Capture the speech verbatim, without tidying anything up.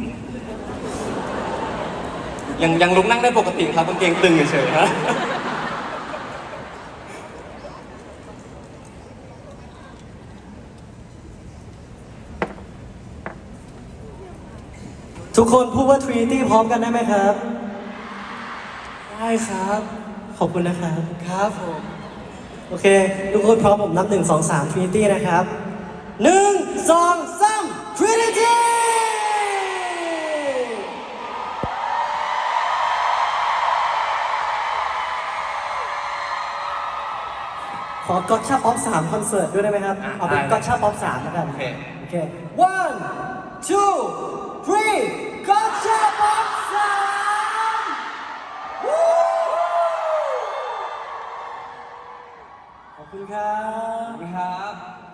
ยังยังลุกนั่งได้ปกติครับกางเกงตึงเฉยๆฮะทุกคนพูดว่า Trinity พร้อมกันได้ไหมครับได้ครับขอบคุณนะครับครับผมโอเค ทุกคนพร้อมผมนับหนึ่งสองสาม Trinity นะครับหนึ่งสองสาม Trinity ขอก็อตชาป๊อปสามคอนเสิร์ตด้วยได้ไหมครับ เอาเป็นก็อตชาป๊อปสามแล้วกันโอเคโอเค one two three ก็อตชาป๊อปสามขอบคุณครับครับ